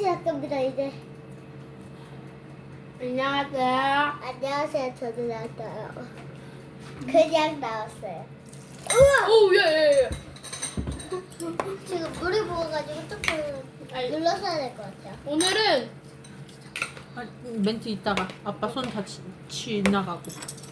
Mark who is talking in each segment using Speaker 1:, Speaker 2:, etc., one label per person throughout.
Speaker 1: 시작합니다 이제.
Speaker 2: 안녕하세요.
Speaker 1: 안녕하세요. 저도 나왔어요. 그냥 나왔어요. 우와!
Speaker 2: 오, 예.
Speaker 1: 지금 물이 부어가지고 조금 눌러서야 될 것 같아요.
Speaker 2: 오늘은
Speaker 3: 아, 멘트 있다가 아빠 손 다 지나가고.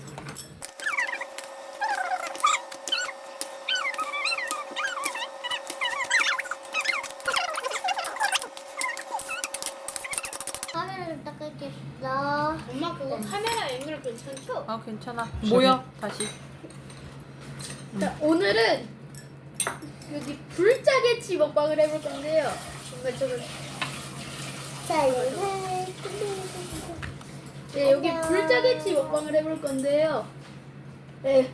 Speaker 1: 카메라 좀 닦을게요.
Speaker 2: 엄마 그거 카메라 앵글 괜찮죠?
Speaker 3: 아 괜찮아. 모여 다시.
Speaker 2: 자, 오늘은 여기 불짜게치 먹방을 해볼 건데요. 정말 저는
Speaker 1: 자 이제
Speaker 2: 네, 여기 불짜게치 먹방을 해볼 건데요. 네.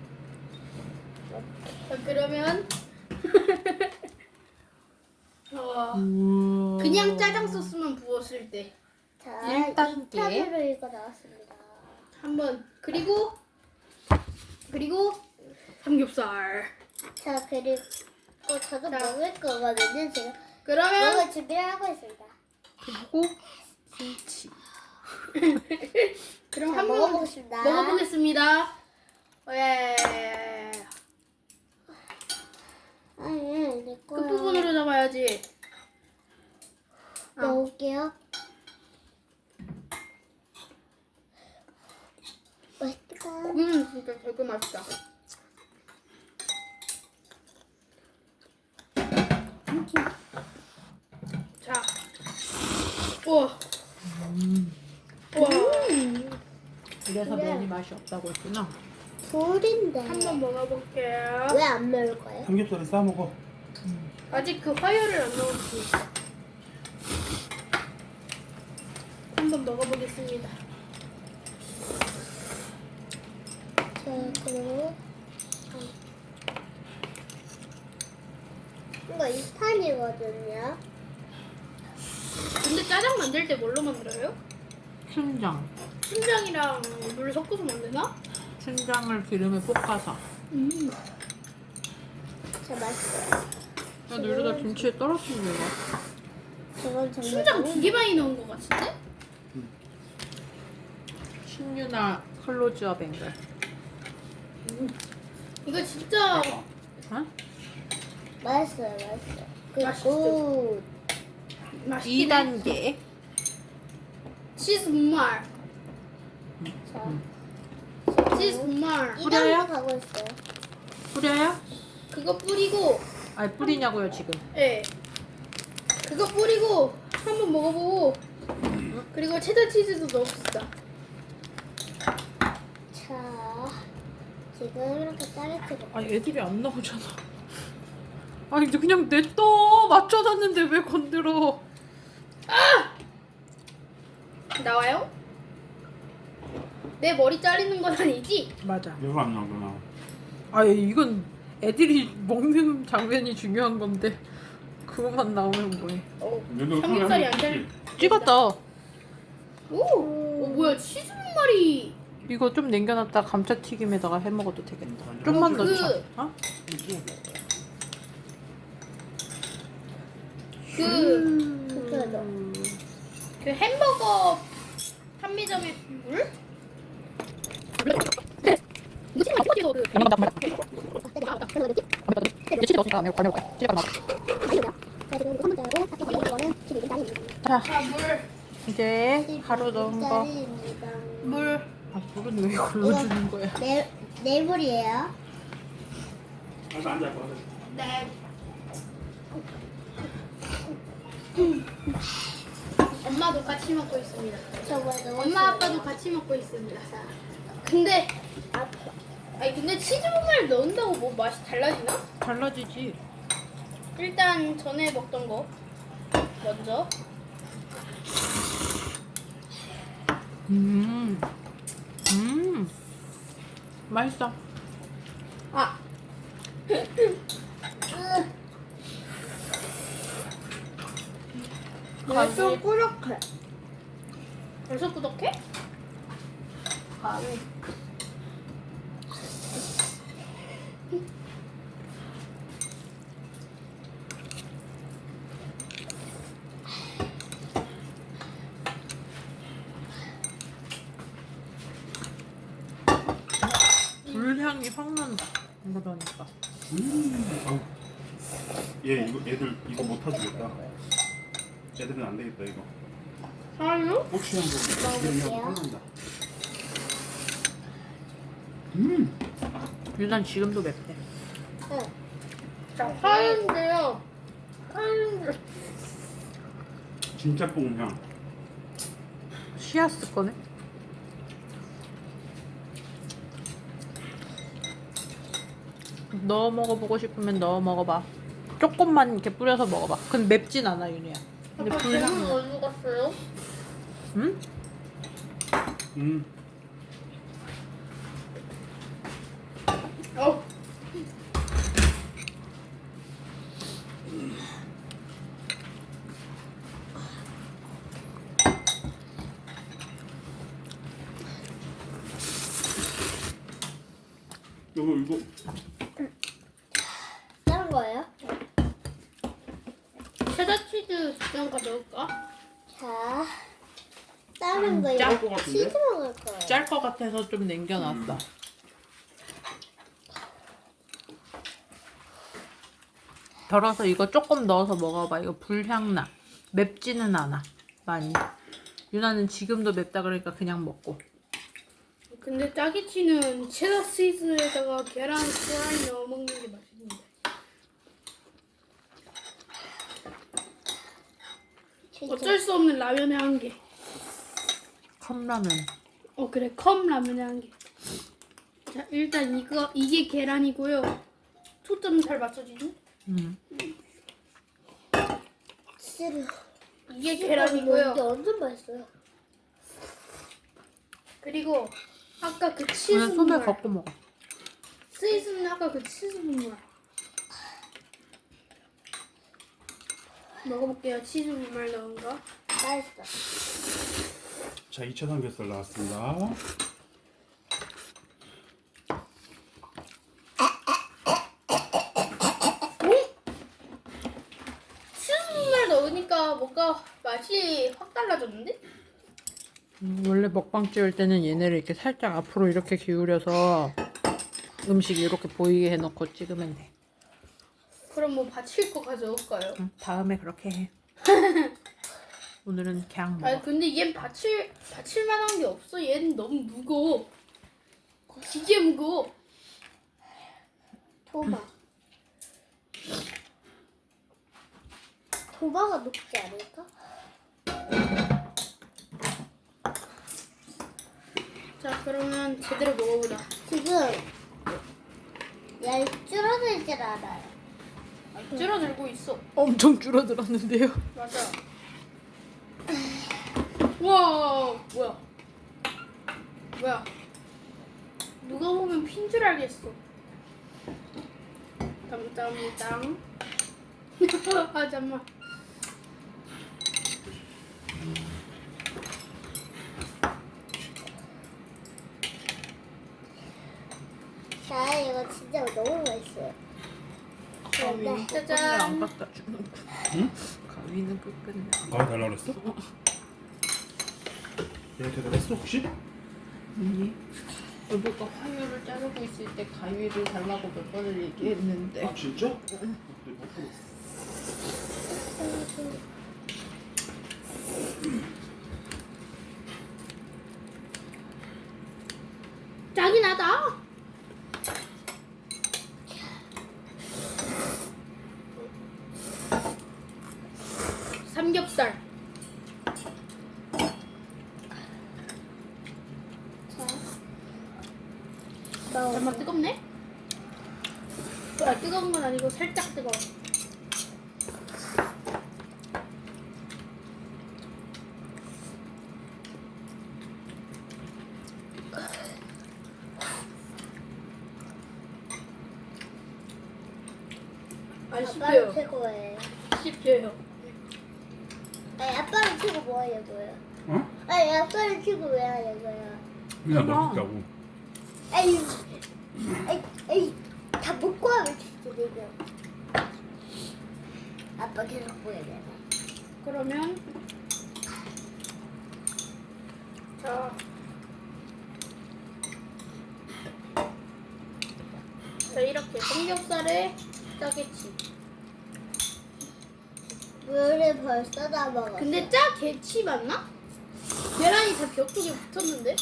Speaker 2: 자, 그러면 그냥 짜장 소스만 부었을 때
Speaker 1: 자
Speaker 3: 1단계.
Speaker 1: 2탄으로 이거 나왔습니다.
Speaker 2: 한번 그리고 삼겹살.
Speaker 1: 자 그리고 저도
Speaker 2: 자.
Speaker 1: 먹을 거거든요. 제가
Speaker 2: 그러면
Speaker 1: 먹을 준비를 하고 있습니다.
Speaker 3: 그리고 김치.
Speaker 2: 그럼
Speaker 1: 자,
Speaker 2: 한번
Speaker 1: 먹어보겠습니다.
Speaker 2: 먹어보겠습니다. 예.
Speaker 1: 아니 내 거야.
Speaker 2: 끝부분으로 잡아야지.
Speaker 1: 먹을게요. 맛있다.
Speaker 2: 진짜 되게 맛있다. 자, 우와, 우와,
Speaker 3: 이래서 면이 맛이 없다고 했구나.
Speaker 1: 불인데.
Speaker 2: 한번 먹어볼게요.
Speaker 1: 왜 안 먹을 거예요?
Speaker 4: 삼겹살을 싸 먹어.
Speaker 2: 아직 그 화열을 안 넣었으니까. 한번 먹어보겠습니다.
Speaker 1: 자 그리고 이거 2탄이거든요.
Speaker 2: 근데 짜장 만들 때 뭘로 만들어요?
Speaker 3: 춘장.
Speaker 2: 춘장이랑 물 섞어서 만드나?
Speaker 3: 춘장을 기름에 볶아서.
Speaker 1: 자 맛있어요.
Speaker 3: 야, 너 이러다 김치에 떨어뜨리는 거야.
Speaker 1: 저건 정말
Speaker 2: 춘장
Speaker 1: 너무
Speaker 2: 되게 많이 넣은 것 같은데?
Speaker 3: 신유나 클로즈업 앵글.
Speaker 2: 이거 진짜
Speaker 3: 어?
Speaker 1: 맛있어요. 맛있어요. 그리고
Speaker 2: 맛있죠? 맛있긴 해.
Speaker 3: 2단계.
Speaker 2: 치즈 분말.
Speaker 1: 자
Speaker 2: 치즈 분말.
Speaker 1: 2단계 가고 있어요.
Speaker 3: 뿌려요?
Speaker 2: 그거 뿌리고,
Speaker 3: 아니 뿌리냐고요 지금.
Speaker 2: 예. 그거 뿌리고 한번 먹어보고, 그리고 체다 치즈도 넣읍시다.
Speaker 1: 자 지금 이렇게 짜릿하게
Speaker 3: 아니 애들이 안 나오잖아. 아니 그냥 냅둬. 맞춰놨는데 왜 건드려.
Speaker 2: 나와요? 내 머리 자르는 건 아니지?
Speaker 3: 맞아.
Speaker 4: 이거 안 나오구나.
Speaker 3: 아니 이건 애들이 먹는 장면이 중요한 건데 그것만 나오면 뭐해.
Speaker 4: 얘도
Speaker 2: 삼겹살이 안 잘.
Speaker 3: 찍었다.
Speaker 2: 오, 뭐야 치즈 분말이.
Speaker 3: 이거 좀 남겨놨다 감자튀김에다가 해 먹어도 되겠다. 좀만
Speaker 2: 그-
Speaker 3: 넣자. 어?
Speaker 2: 그 햄버거 판매점의 물?
Speaker 3: 자,
Speaker 2: 자, 물.
Speaker 3: 이제 가루 넣은 거.
Speaker 1: 짜리입니다.
Speaker 2: 물.
Speaker 3: 아, 물은 왜 이걸로 주는 거야?
Speaker 1: 내물이에요.
Speaker 4: 앉아 앉아.
Speaker 2: 네. 엄마도 같이 먹고 있습니다.
Speaker 1: 저거도
Speaker 2: 엄마 아빠도 같이 먹고 있습니다. 근데 근데 치즈 분말 넣는다고 뭐 맛이 달라지나?
Speaker 3: 달라지지.
Speaker 2: 일단 전에 먹던 거 먼저.
Speaker 3: 맛있어.
Speaker 2: 아.
Speaker 1: 좀 꾸덕해.
Speaker 2: 벌써 꾸덕해?
Speaker 1: 감이.
Speaker 3: 향이 확 난다. 그러니까.
Speaker 4: 어우. 얘 이거 애들 이거 못 타주겠다. 애들은 안 되겠다 이거.
Speaker 2: 아니요?
Speaker 4: 고추향도 기름이 확 난다.
Speaker 3: 유난 지금도 맵대.
Speaker 1: 응.
Speaker 2: 자, 파인데요. 파인데.
Speaker 4: 진짜 뽕향.
Speaker 3: 씨앗스 거네. 넣어 먹어보고 싶으면 넣어 먹어봐. 조금만 이렇게 뿌려서 먹어봐. 근데 맵진 않아 윤희야. 근데
Speaker 2: 아까 뱀은
Speaker 3: 불향.
Speaker 2: 어디로 갔어요?
Speaker 3: 응?
Speaker 2: 어.
Speaker 4: 이거
Speaker 1: 다른 거예요?
Speaker 2: 체다 치즈 좀 가져올까?
Speaker 1: 자, 다른 거
Speaker 3: 짤
Speaker 1: 이거
Speaker 4: 것 같은데?
Speaker 1: 치즈 먹을 거예요.
Speaker 3: 짤 것 같아서 좀 남겨놨어. 덜어서 이거 조금 넣어서 먹어봐. 이거 불향 나. 맵지는 않아. 많이. 유나는 지금도 맵다 그러니까 그냥 먹고.
Speaker 2: 근데 짜게치는 체다 치즈에다가 계란 후라이 넣어 먹는 게 맛있는데.
Speaker 1: 진짜.
Speaker 2: 어쩔 수 없는 라면의 한계.
Speaker 3: 컵라면.
Speaker 2: 그래, 컵 라면의 한계. 자, 일단 이게 계란이고요. 초점 잘 맞춰지죠?
Speaker 1: 치즈를.
Speaker 2: 이게
Speaker 1: 이게
Speaker 2: 계란이고요.
Speaker 1: 완전 맛있어요.
Speaker 2: 그리고 아까 그 치즈
Speaker 3: 그냥 손에
Speaker 2: 분말.
Speaker 3: 걷고 먹어.
Speaker 2: 스위스는 아까 그 치즈 분말. 먹어볼게요. 치즈 분말 넣은 거.
Speaker 1: 맛있어.
Speaker 4: 자 2차 삼겹살 나왔습니다.
Speaker 2: 치즈 분말 넣으니까 뭔가 맛이 확 달라졌는데?
Speaker 3: 원래 먹방 찍을 때는 얘네를 이렇게 살짝 앞으로 이렇게 기울여서 음식 이렇게 보이게 해놓고 찍으면 돼.
Speaker 2: 그럼 뭐 받칠 거 가져올까요?
Speaker 3: 응, 다음에 그렇게 해. 오늘은 그냥
Speaker 2: 아니
Speaker 3: 먹어.
Speaker 2: 근데 얘는 받칠 만한 게 없어. 얘는 너무 무거워. 되게 무거워.
Speaker 1: 도마. 도마가 높지 않을까?
Speaker 2: 자 그러면 제대로 먹어보자.
Speaker 1: 지금 얇 줄어들질 않아요.
Speaker 2: 줄어들고 있어.
Speaker 3: 엄청 줄어들었는데요.
Speaker 2: 맞아. 와 뭐야? 뭐야? 누가 보면 핀 줄 알겠어. 땀땀땀. 아 잠만.
Speaker 1: 자, 이거 진짜 너무 맛있어요.
Speaker 3: 가위는
Speaker 2: 짜잔.
Speaker 3: 끝끝내 안 갖다 주는 거.
Speaker 4: 응?
Speaker 3: 가위는 끝끝내.
Speaker 4: 가위 달라 그랬어? 얘 대답했어 혹시?
Speaker 3: 아니. 여보가 화요를 자르고 있을 때 가위를 달라고 몇 번을 얘기했는데.
Speaker 4: 아 진짜? 근데 못 들었어.
Speaker 2: 짱이 나다. 삼겹살. 잠만 뜨겁네? 뜨거운 건 아니고 살짝 뜨거워. 안
Speaker 1: 아빠는
Speaker 2: 씹혀요.
Speaker 1: 최고예요.
Speaker 2: 씹혀요.
Speaker 1: 아니, 아빠는 최고 뭐 하려고요?
Speaker 4: 어?
Speaker 1: 아니, 아빠는 최고 왜 하려고요?
Speaker 4: 그냥 먹자고.
Speaker 1: 에이, 에이, 다 먹고 하면 진짜 되죠. 아빠 계속 보여야 되나?
Speaker 2: 그러면 자 자, 이렇게 삼겹살에 짜게치.
Speaker 1: 물을 벌써 다 먹었어.
Speaker 2: 근데 짜게치 맞나? 계란이 다 벽 쪽에 붙었는데?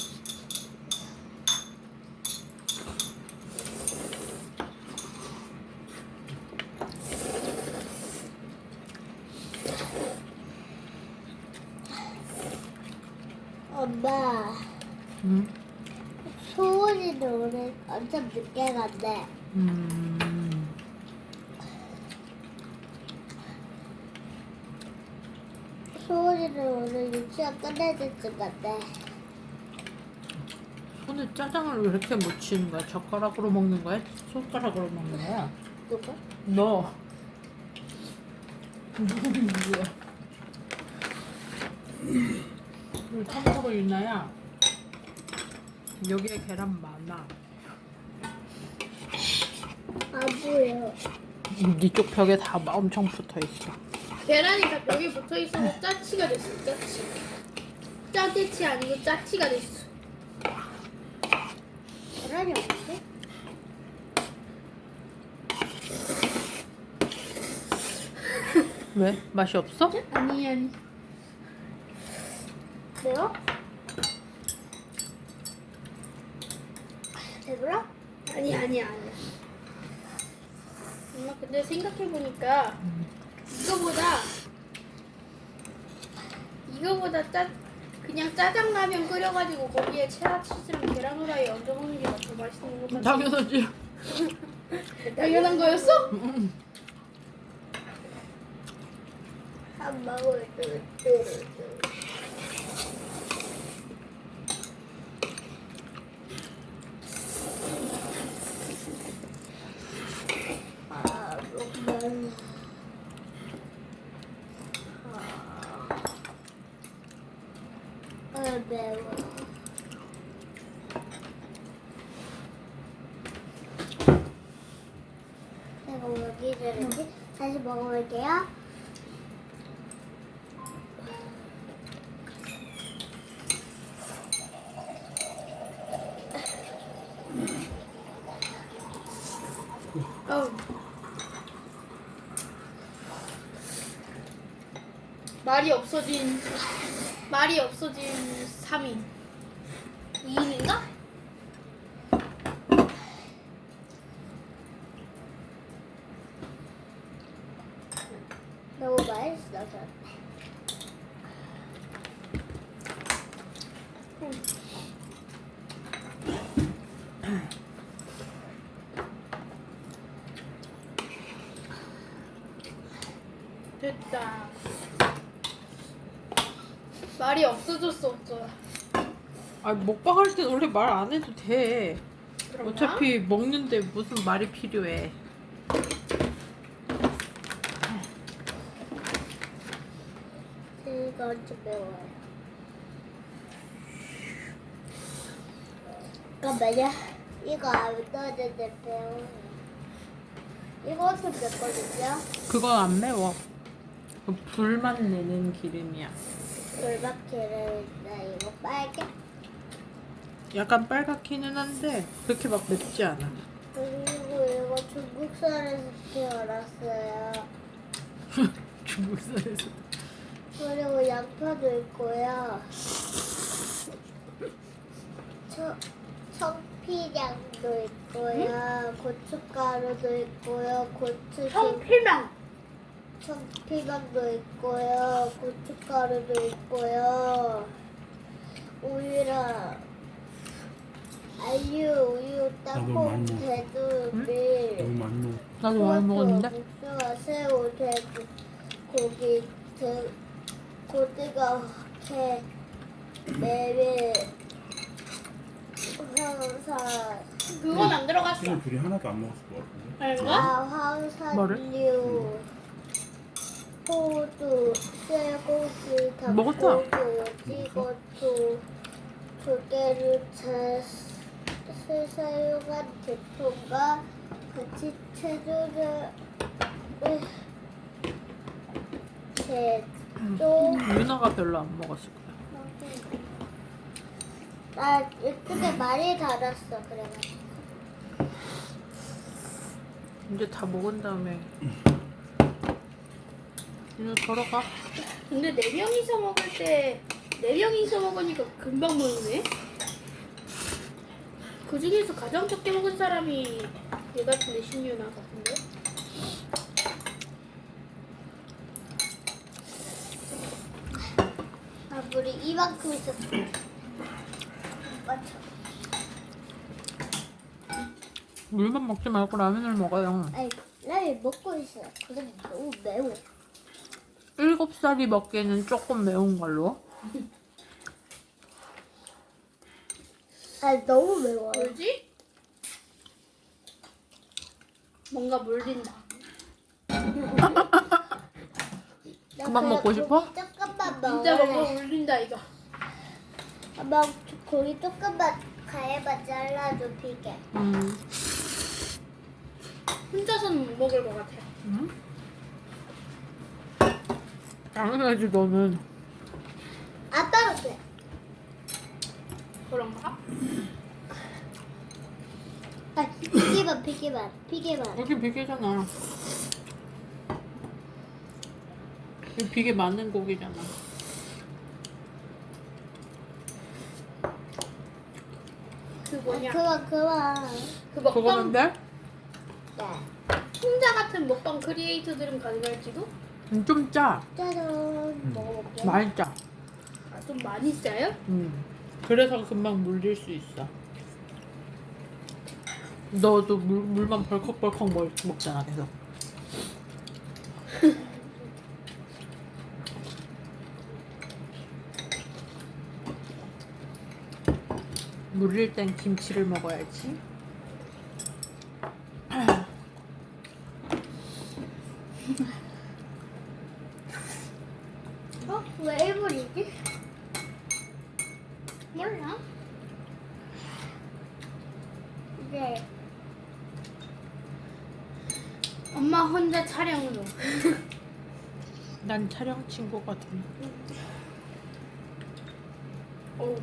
Speaker 1: 엄마,
Speaker 3: 응?
Speaker 1: 소원이는 오늘 엄청 늦게 간대. 소원이는 오늘 유치원 끝날 때쯤 간대.
Speaker 3: 손에 짜장을 왜 이렇게 묻히는 거야? 젓가락으로 먹는 거야? 손가락으로 먹는 거야?
Speaker 1: 누가?
Speaker 3: 너. 누구야? 참고로 유나야. 여기에 계란 많아.
Speaker 1: 안 보여.
Speaker 3: 이쪽 벽에 다 엄청 붙어 있어.
Speaker 2: 계란이 다 벽에 붙어 있어서 짜치가 됐어. 짜치. 짜게치 아니고 짜치가 됐어.
Speaker 1: 계란이 없지?
Speaker 3: 왜? 맛이 없어?
Speaker 2: 아니.
Speaker 1: 매워? 배불러?
Speaker 2: 아니. 엄마 근데 생각해보니까 이거보다 그냥 짜장라면 끓여가지고 거기에 체라치즈랑 계란 후라이 얹어 먹는 게 더 맛있는 것 같아.
Speaker 3: 당연하지.
Speaker 2: 당연한 거였어?
Speaker 1: 한 방울 목말라. 매워. 내가 여기 들었지? 다시 먹어볼게요.
Speaker 2: 어우. 말이 없어진 3인. 2인인가?
Speaker 1: 너무 맛있어서.
Speaker 2: 됐다. 말이 없어졌어.
Speaker 3: 아 먹방 할 땐 원래 말 안 해도 돼.
Speaker 2: 그런가?
Speaker 3: 어차피 먹는데 무슨 말이 필요해.
Speaker 1: 이거 엄청 매워요. 잠깐만요. 이거 안 넣었는데 매워요. 이거 엄청 맵거든요.
Speaker 3: 그건 안 매워. 그 불만 내는 기름이야.
Speaker 1: 돌박기를 이거 빨개.
Speaker 3: 약간 빨갛기는 한데 그렇게 막 맵지 않아.
Speaker 1: 그리고 이거 중국산에서 태어났어요.
Speaker 3: 중국산에서.
Speaker 1: 그리고 양파도 있고요. 청피장도 있고요. 고춧가루도 있고요. 청피망도 있고요. 고춧가루도 있고요. 우유랑 우유, 땅콩, 돼지밀,
Speaker 4: 너무 많이 먹어.
Speaker 3: 나도 많이 먹었는데.
Speaker 1: 국수와 새우, 돼지, 고기, 고등어, 게, 메밀, 황사,
Speaker 2: 그건 안 들어갔어.
Speaker 4: 지금 둘이 하나도 안 먹었을 것 같은데.
Speaker 2: 아닌가?
Speaker 1: 황사류, 호두, 쇠고기,
Speaker 3: 먹었어.
Speaker 1: 닭고기, 오징어초, 조개를 사용한 제품과 같이 채소를 제조.
Speaker 3: 유나가 별로 안 먹었을 거야.
Speaker 1: 나 이쪽에 많이 달았어. 그래가지고
Speaker 3: 이제 다 먹은 다음에 이제 걸어가.
Speaker 2: 근데 4명이서 먹을 때 4명이서 먹으니까 금방 먹네. 그 중에서 가장 적게 먹은 사람이 얘 같은데 신유나 같은데.
Speaker 1: 아, 물이 이만큼 있었어. 맞죠?
Speaker 3: 물만 먹지 말고 라면을 먹어요.
Speaker 1: 아니, 라면 먹고 있어요. 근데 너무 매워.
Speaker 3: 7살이 먹기에는 조금 매운 걸로.
Speaker 1: 아니, 너무 매워요.
Speaker 2: 뭐지? 뭔가 물린다.
Speaker 3: 그만 먹고 싶어?
Speaker 1: 조금만
Speaker 2: 진짜
Speaker 1: 먹을래.
Speaker 2: 뭔가 물린다 이거.
Speaker 1: 엄마, 고기 조금만 가위바 잘라줘, 피게.
Speaker 2: 혼자서는 못 먹을 것 같아요.
Speaker 3: 응? 당연하지 너는.
Speaker 1: 아빠가 그래.
Speaker 2: 그런가?
Speaker 1: 아, 피게만.
Speaker 3: 여기 비계잖아. 여기 비계 맞는 고기잖아.
Speaker 2: 그 뭐냐?
Speaker 1: 그만.
Speaker 2: 그 먹방
Speaker 3: 그거는데?
Speaker 1: 네.
Speaker 2: 풍자 같은 먹방 크리에이터들은 가능할지도?
Speaker 3: 좀 짜.
Speaker 1: 짜잔. 먹어볼게요.
Speaker 3: 많이 짜.
Speaker 2: 아, 좀 많이 짜요?
Speaker 3: 그래서 금방 물릴 수 있어. 너도 물만 벌컥벌컥 먹잖아 계속. 물릴 땐 김치를 먹어야지.
Speaker 1: 어? 왜 일본이지?
Speaker 2: 몰라.
Speaker 1: 네.
Speaker 2: 엄마 혼자 촬영으로.
Speaker 3: 난 촬영 친구거든.
Speaker 2: 어.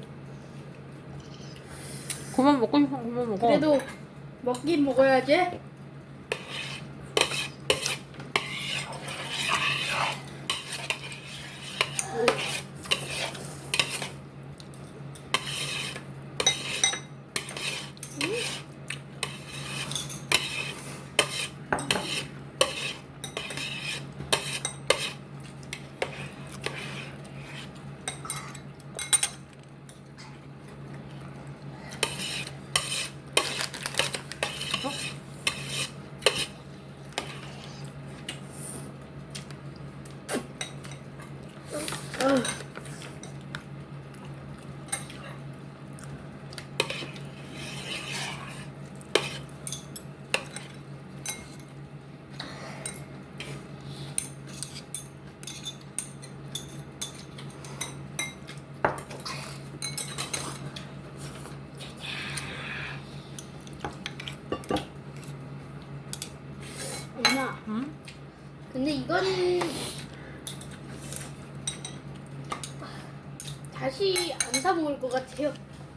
Speaker 3: 그만 먹고 싶으면 그만 먹어.
Speaker 2: 그래도 먹긴 먹어야지. 엄마.
Speaker 3: 응?
Speaker 2: 근데 이건 다시 안 사 먹을 것 같아요.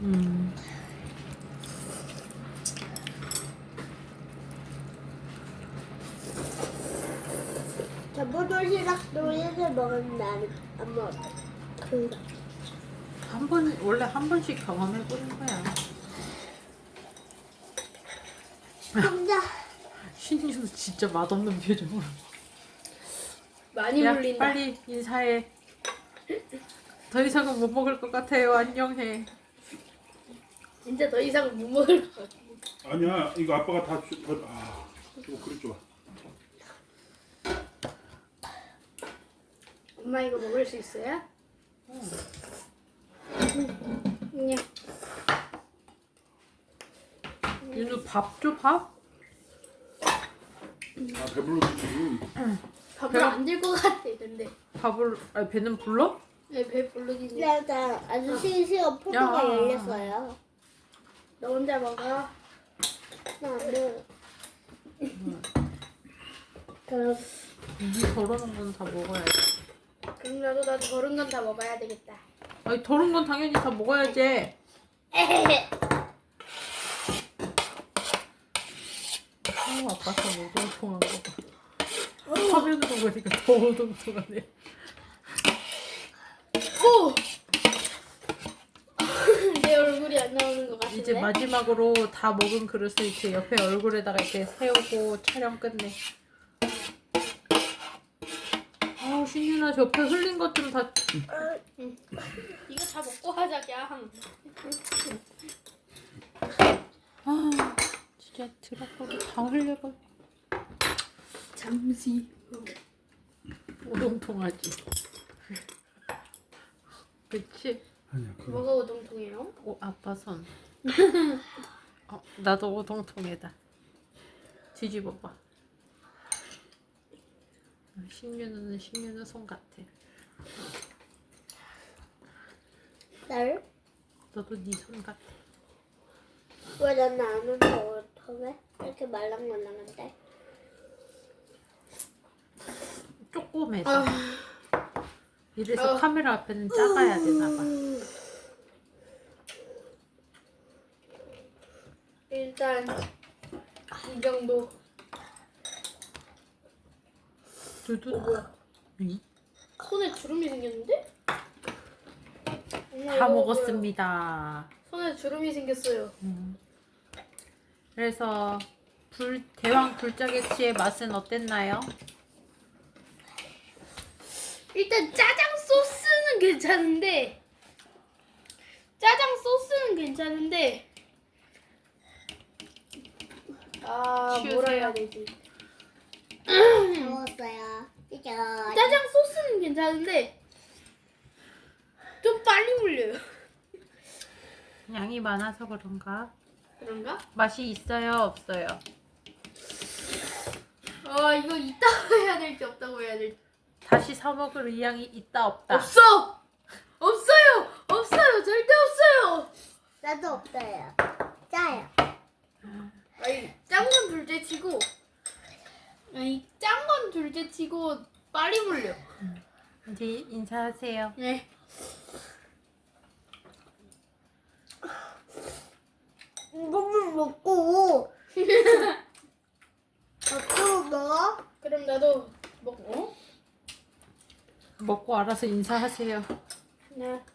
Speaker 1: 전부 도시락 놀이에서 먹은 나는 안 먹어.
Speaker 3: 원래 한 번씩 경험해보는 거야.
Speaker 1: 혼자.
Speaker 3: 신유도 진짜 맛없는 표정으로.
Speaker 2: 많이
Speaker 3: 야,
Speaker 2: 물린다.
Speaker 3: 빨리 인사해. 더 이상은 못 먹을 것 같아요. 안녕해.
Speaker 2: 진짜 더 이상 못 먹을 것 같아.
Speaker 4: 아니야, 이거 아빠가 다 이거 그릇 줘봐.
Speaker 2: 엄마 이거 먹을 수 있어요? 그냥
Speaker 3: 윤우 밥 줘, 밥?
Speaker 4: 아, 배불러지지.
Speaker 2: 밥을 안 들 것 같아. 근데
Speaker 3: 아니, 배는 불러?
Speaker 2: 네, 배 부르긴 해.
Speaker 1: 일단 아저씨 시험 포도가
Speaker 3: 야.
Speaker 1: 열렸어요.
Speaker 2: 너 혼자 먹어.
Speaker 1: 나는 그럼
Speaker 3: 이 더러운 건 다 먹어야지.
Speaker 2: 그럼 나도 더른 건 다 먹어야 되겠다.
Speaker 3: 아니, 더러운 건 당연히 다 먹어야지. 아빠 손 오동통한 거 봐. 화면으로 보니까 더 오동통하네.
Speaker 2: 오! 내 얼굴이 안 나오는 것 같은데?
Speaker 3: 이제 마지막으로 다 먹은 그릇을 이렇게 옆에 얼굴에다가 이렇게 세우고 촬영 끝내. 아우 신윤아 저 옆에 흘린 것 좀 다.
Speaker 2: 이거 다 먹고 하자, 그냥.
Speaker 3: 아 진짜 드라파도 다 흘려버려.
Speaker 2: 잠시.
Speaker 3: 오동통하지. 그치?
Speaker 4: 아니야 그거
Speaker 2: 뭐가 우동통이에요?
Speaker 3: 오 아빠 손. 나도 오동통에다. 뒤집어봐. 신윤우는 신윤우 손 같아.
Speaker 1: 날?
Speaker 3: 너도 네 손 같아.
Speaker 1: 왜 나는 안 오는데 어떡해? 이렇게 말랑말랑한데?
Speaker 3: 조그매서. 이래서 카메라 앞에는 작아야 되나봐.
Speaker 2: 일단 이 정도.
Speaker 3: 두두.
Speaker 2: 뭐야?
Speaker 3: 응?
Speaker 2: 손에 주름이 생겼는데? 엄마,
Speaker 3: 다
Speaker 2: 이거
Speaker 3: 먹었습니다.
Speaker 2: 뭐야? 손에 주름이 생겼어요.
Speaker 3: 그래서 대왕 불짜게치의 맛은 어땠나요?
Speaker 2: 일단 짜장 소스는 괜찮은데
Speaker 3: 치우세요.
Speaker 2: 뭐라 해야 되지?
Speaker 1: 먹었어요. 이제
Speaker 2: 짜장 소스는 괜찮은데 좀 빨리 물려요.
Speaker 3: 양이 많아서 그런가?
Speaker 2: 그런가?
Speaker 3: 맛이 있어요? 없어요?
Speaker 2: 이거 있다고 해야 될지 없다고 해야 될지.
Speaker 3: 다시 사 먹을 의향이 있다 없다?
Speaker 2: 없어요. 절대 없어요.
Speaker 1: 나도 없어요. 짜요.
Speaker 2: 짠 건 둘째치고 짠 건 둘째치고 빨리 물려.
Speaker 3: 이제 인사하세요.
Speaker 2: 네.
Speaker 1: 이것만 먹고 또 먹어?
Speaker 2: 그럼 나도 먹고.
Speaker 3: 먹고 알아서 인사하세요.
Speaker 2: 네.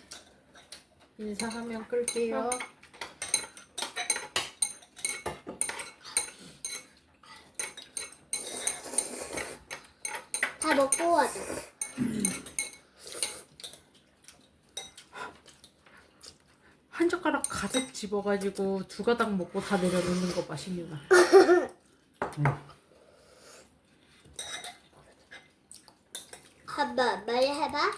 Speaker 3: 인사하면 끌게요.
Speaker 1: 다 먹고 가자.
Speaker 3: 한 젓가락 가득 집어가지고 두 가닥 먹고 다 내려놓는 거 맛있구나.
Speaker 1: 한번 빨리 해봐.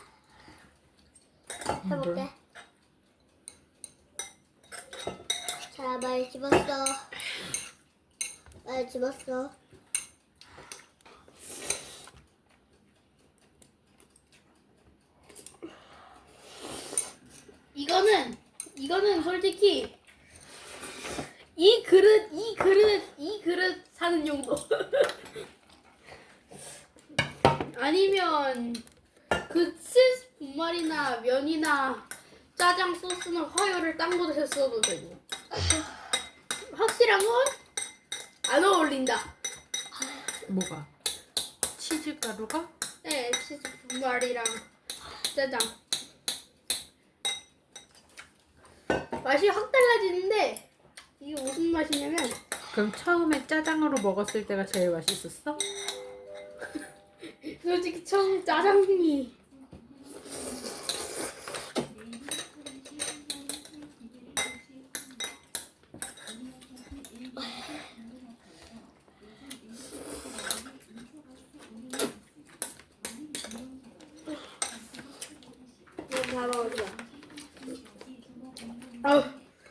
Speaker 1: 해볼게. 자, 많이 집었어. 많이 집었어.
Speaker 2: 이거는 솔직히 이 그릇 사는 용도. 아니면 그 치즈 분말이나 면이나 짜장 소스나 화요를 딴 곳에 써도 되고. 확실한 건 안 어울린다.
Speaker 3: 뭐가? 치즈 가루가?
Speaker 2: 네, 치즈 분말이랑 짜장 맛이 확 달라지는데 이게 무슨 맛이냐면
Speaker 3: 그럼 처음에 짜장으로 먹었을 때가 제일 맛있었어?
Speaker 2: 솔직히 처음 짜장이
Speaker 1: 다 먹었어.
Speaker 2: 아우.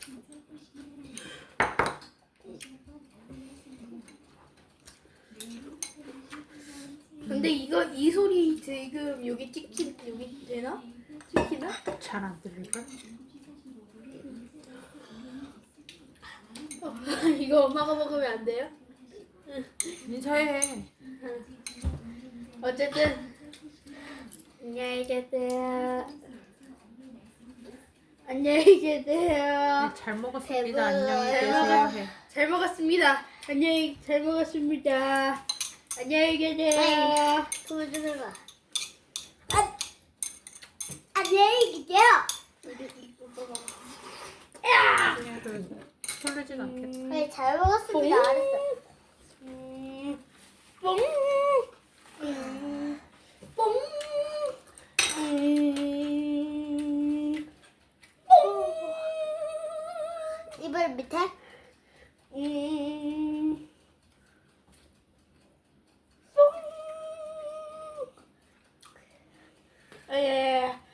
Speaker 2: 근데 이 소리 지금 여기 여기 되나? 찍히나?
Speaker 3: 잘 안 들릴걸?
Speaker 2: 이거 엄마가 먹으면 안 돼요?
Speaker 3: 인사해.
Speaker 2: 어쨌든 안녕히 계세요. 안녕히 계세요.
Speaker 3: 네, 잘 먹었습니다.
Speaker 1: 배불러.
Speaker 3: 안녕히
Speaker 2: 잘
Speaker 3: 계세요.
Speaker 2: 먹었-
Speaker 3: 해.
Speaker 2: 잘 먹었습니다. 잘 먹었습니다. 안녕히 계세요.
Speaker 1: 불 들어가. 안녕히 계세요.
Speaker 3: 설레진 않겠다.
Speaker 1: 네, 잘 먹었습니다. 알았어.
Speaker 2: 뽕. 뽕.
Speaker 1: 이불 밑에.
Speaker 2: 예.